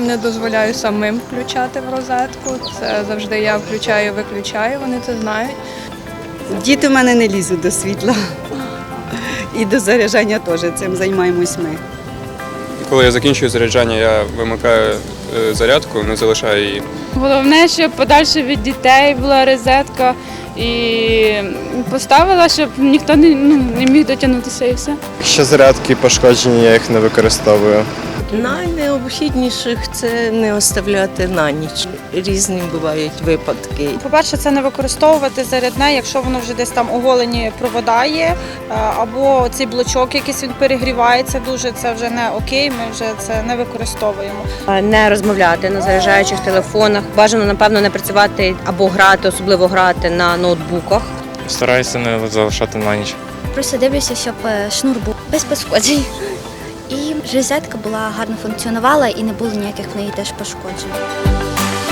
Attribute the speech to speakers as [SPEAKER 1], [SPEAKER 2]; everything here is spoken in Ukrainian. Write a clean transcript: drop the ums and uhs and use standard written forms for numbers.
[SPEAKER 1] Дітям не дозволяю самим включати в розетку. Це завжди я включаю, виключаю, вони це знають.
[SPEAKER 2] Діти в мене не лізуть до світла. І до заряджання теж, цим займаємось ми.
[SPEAKER 3] Коли я закінчую заряджання, я вимикаю зарядку, не залишаю її.
[SPEAKER 4] Головне, щоб подальше від дітей була розетка і поставила, щоб ніхто не міг дотягнутися і все.
[SPEAKER 5] Якщо зарядки пошкоджені, я їх не використовую.
[SPEAKER 6] Найнеобхідніших це не оставляти на ніч. Різні бувають випадки.
[SPEAKER 7] По-перше, це не використовувати зарядне, якщо воно вже десь там оголені провода є, або цей блочок якийсь він перегрівається дуже, це вже не окей, ми вже це не використовуємо.
[SPEAKER 8] Не розмовляти на заряджаючих телефонах, бажано, напевно, не працювати або грати, особливо грати на ноутбуках.
[SPEAKER 5] Стараюся не залишати на ніч.
[SPEAKER 9] Просто дивлюся, щоб шнур був без пошкоджень. І розетка була гарно функціонувала і не було ніяких в неї теж пошкоджень.